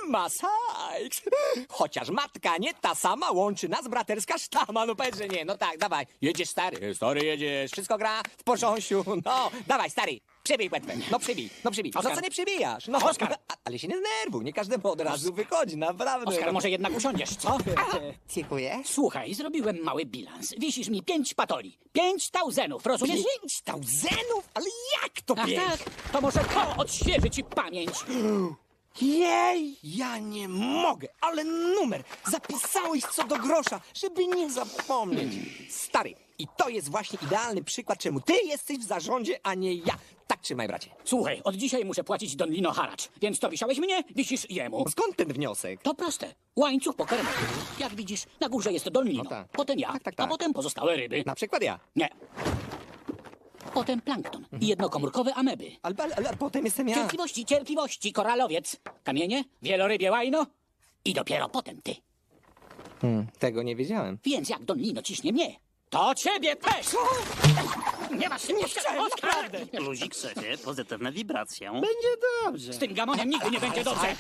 Masakс! Chociaż matka nie ta sama, łączy nas braterska sztama. No powiedz, że nie. No tak, dawaj. Jedziesz, stary. Stary, jedziesz. Wszystko gra w porząsiu. No, dawaj, stary. Przybij płetwę. No przybij, no przybij. No Oskar. co nie przybijasz? No, Oskar. Ale się nie zdenerwuj, nie każdemu od razu wychodzi, naprawdę. Oskar, może jednak usiądziesz, co? Dziękuję. Słuchaj, zrobiłem mały bilans. Wisisz mi 5 patoli. 5 tauzenów, rozumiesz? 5,000? Ale jak to Ach 5? tak, to może to odświeży ci pamięć. Jej, ja nie mogę, ale numer zapisałeś co do grosza, żeby nie zapomnieć. Stary, i to jest właśnie idealny przykład, czemu ty jesteś w zarządzie, a nie ja. Tak trzymaj, bracie. Słuchaj, od dzisiaj muszę płacić Don Lino haracz, więc to wisiałeś mnie, wisisz jemu. Skąd ten wniosek? To proste. Łańcuch pokarmowy. Jak widzisz, na górze jest Don Lino, No tak. potem ja, Tak. a potem pozostałe ryby. Na przykład ja. Nie. Potem plankton i jednokomórkowe ameby. Ale potem jestem ja. Cierpliwości, cierpliwości, koralowiec, kamienie, wielorybie łajno i dopiero potem ty. Tego nie wiedziałem. Więc jak Don Lino ciśnie mnie, to ciebie też! Nie masz się nie Oskar! Luzik, szefie, pozytywne wibracje. Będzie dobrze. Z tym gamoniem nigdy nie będzie dobrze.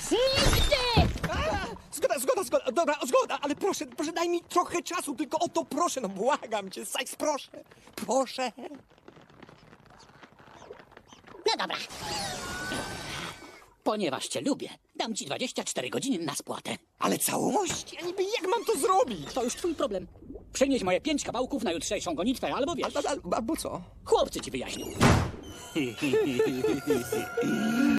Zgoda. Dobra, zgoda, ale proszę, daj mi trochę czasu, tylko o to proszę, no błagam cię, Sykes, proszę. Proszę. No dobra. Ponieważ cię lubię, dam ci 24 godziny na spłatę. Ale całości, a niby jak mam to zrobić? To już twój problem. Przynieś moje 5 kawałków na jutrzejszą gonitwę, albo wiesz, Albo co? chłopcy ci wyjaśnią.